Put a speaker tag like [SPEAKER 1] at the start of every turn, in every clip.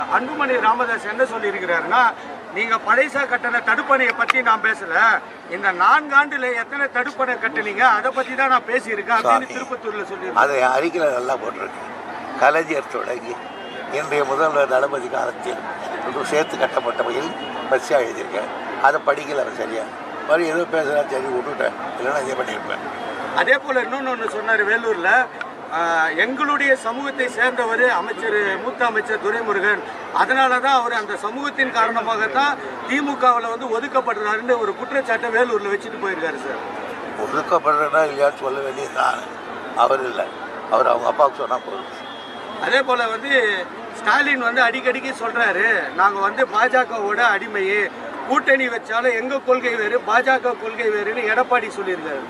[SPEAKER 1] அன்புமணி ராமதாஸ் என்ன சொல்லியிருக்கிறாருன்னா, நீங்க பழைசா கட்டின தடுப்பணையை பத்தி நான் பேசல, இந்த 4 ஆண்டுல எத்தனை தடுப்பணை கட்டுனீங்க அதை பத்தி தான் நான் பேசியிருக்கேன் அப்படின்னு திருப்பத்தூர்ல சொல்லியிருக்கேன்.
[SPEAKER 2] அதை அறிக்கையில் நல்லா போட்டிருக்கு. கலைஞர் தொடங்கி இன்றைய முதல்வர் தளபதி காலத்தில் சேர்த்து கட்டப்பட்டவையில் பரிசாக எழுதியிருக்கேன். அதை படிக்கல அவர் சரியா, மறு ஏதோ பேசுகிறா சரி விட்டுட்டேன், இல்லைன்னா இதே பண்ணியிருப்பேன்.
[SPEAKER 1] அதே போல இன்னொன்று சொன்னார் வேலூர்ல, எங்களுடைய சமூகத்தை சேர்ந்தவர் அமைச்சர், மூத்த அமைச்சர் துரைமுருகன், அதனால தான் அவர் அந்த சமூகத்தின் காரணமாகத்தான் திமுகவில் வந்து ஒதுக்கப்படுறாருன்னு ஒரு குற்றச்சாட்டை வேலூரில் வச்சுட்டு போயிருக்காரு சார்.
[SPEAKER 2] ஒதுக்கப்படுறா இல்லையான்னு சொல்ல வேண்டியதுதான், அவர் இல்லை, அவர் அவங்க அப்பாவுக்கு சொன்னால் போதும்.
[SPEAKER 1] அதே போல் வந்து ஸ்டாலின் வந்து அடிக்கடிக்கு சொல்கிறாரு, நாங்கள் வந்து பாஜகவோட அடிமையே, கூட்டணி வச்சாலும் எங்கள் கொள்கை வேறு பாஜக கொள்கை வேறுன்னு எடப்பாடி சொல்லியிருக்காரு.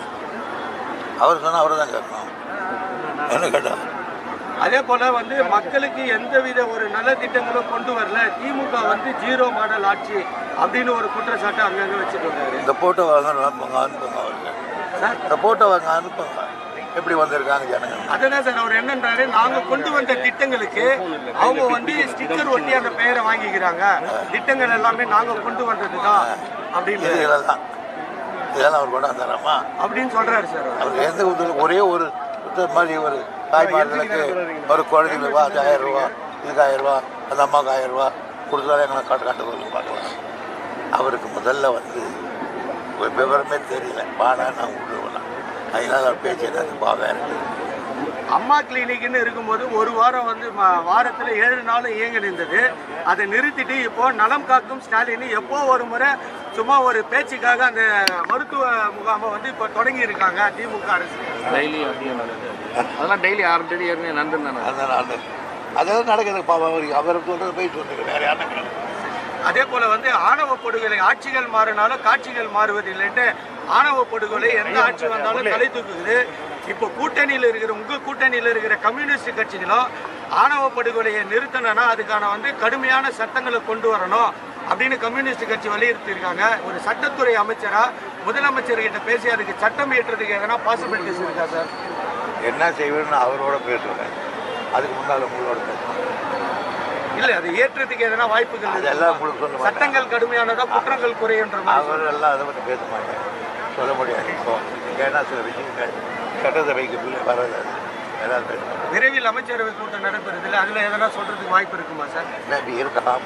[SPEAKER 2] அவர் சொன்னால் அவரை தான் கேட்கணும், என்ன கேட்டால்.
[SPEAKER 1] அதே போல் வந்து மக்களுக்கு எந்தவித ஒரு நல்ல திட்டங்களும் கொண்டு வரல, திமுக வந்து 0 மாடல் ஆட்சி அப்படின்னு ஒரு குற்றச்சாட்டை அங்கங்கே வச்சுட்டு வந்தாரு.
[SPEAKER 2] இந்த போட்டோ வாங்க அனுப்புங்க அவருக்கு சார், இந்த போட்டோ வாங்க அனுப்புங்க, எப்படி வந்திருக்காங்க ஜனங்க.
[SPEAKER 1] அதுதான் சார் அவர் என்னன்றாரு, நாங்கள் கொண்டு வந்த திட்டங்களுக்கு அவங்க வந்து ஸ்டிக்கர் ஒட்டி அந்த பெயரை வாங்கிக்கிறாங்க, திட்டங்கள் எல்லாமே நாங்கள் கொண்டு வந்தது தான் அப்படின்னு.
[SPEAKER 2] இதெல்லாம் அவர் கொண்டாந்துறாமா
[SPEAKER 1] அப்படின்னு சொல்றாரு சார்.
[SPEAKER 2] அவர் எந்த ஒரே ஒரு மாதிரி ஒரு தாய்மார்களுக்கு ஒரு குழந்தைங்களுக்கு 1000 ரூபா, இதுக்கு 1000 ரூபா, அந்த அம்மாவுக்கு 1000 ரூபா கொடுத்தாலும் எங்களை காட்டுறது பார்க்கலாம். அவருக்கு முதல்ல வந்து விவரமே தெரியல, வாடா நான் விடுவேன், அதனால அவர் பேச்சு எனக்கு பாவேன்.
[SPEAKER 1] அம்மா கிளினிக்னு இருக்கும்போது ஒரு வாரம் வந்து வாரத்தில் 7 நாள் இயங்க நின்றது, அதை நிறுத்திட்டு இப்போ நலம் காக்கும் ஸ்டாலின் எப்போ ஒரு முறை சும்மா ஒரு பேச்சுக்காக அந்த மருத்துவ முகாமை வந்து இப்போ தொடங்கி இருக்காங்க திமுக அரசு.
[SPEAKER 3] டெய்லி அதெல்லாம் டெய்லி 6 தேதி நடந்து
[SPEAKER 2] அதெல்லாம் நடக்குது. அவரை சொல்றது போய் சொல்லுங்க, வேற யாரும்.
[SPEAKER 1] அதே போல வந்து ஆணவ படுகொலை, ஆட்சிகள் மாறினாலும் காட்சிகள் மாறுவதில்லைன்ட்டு ஆணவ படுகொலை எந்த ஆட்சி வந்தாலும் தலை தூக்குது. இப்போ கூட்டணியில் இருக்கிற கூட்டணியில் இருக்கிற கம்யூனிஸ்ட் கட்சிகளும் ஆணவ படுகொலையை நிறுத்தணும்னா அதுக்கான வந்து கடுமையான சட்டங்களை கொண்டு வரணும் அப்படின்னு கம்யூனிஸ்ட் கட்சி வலியுறுத்தியிருக்காங்க. ஒரு சட்டத்துறை அமைச்சரா முதலமைச்சர்கிட்ட பேசி அதுக்கு சட்டம் இயற்றுறதுக்கு எதனா பாசிபிலிட்டிஸ் இருக்கா சார்?
[SPEAKER 2] என்ன செய்வேன்னு அவரோட பேசுவேன், அதுக்கு முன்னால் உங்களோட பேசுவேன்.
[SPEAKER 1] இல்லை, அது ஏற்றத்துக்கு எதனா வாய்ப்புகள்?
[SPEAKER 2] அதெல்லாம் உங்களுக்கு சொல்ல,
[SPEAKER 1] சட்டங்கள் கடுமையானதா குற்றங்கள் குறையுன்ற
[SPEAKER 2] அவர் எல்லாம் அதை பற்றி பேச மாட்டேன், சொல்ல முடியாது. இப்போ ஏன்னா சில விஷயங்கள் சட்டசபைக்கு வராது, ஏதாவது பேச மாட்டேன்.
[SPEAKER 1] விரைவில் அமைச்சரவை கூட்டம் நடைபெறுது இல்லை, அதில் எதனா சொல்றதுக்கு வாய்ப்பு இருக்குமா சார்?
[SPEAKER 2] இல்லை, இருக்கலாம்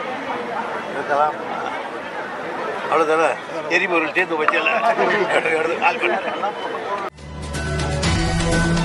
[SPEAKER 2] அவ்வளோதானே. எரிபொருள் சேர்ந்து வச்சல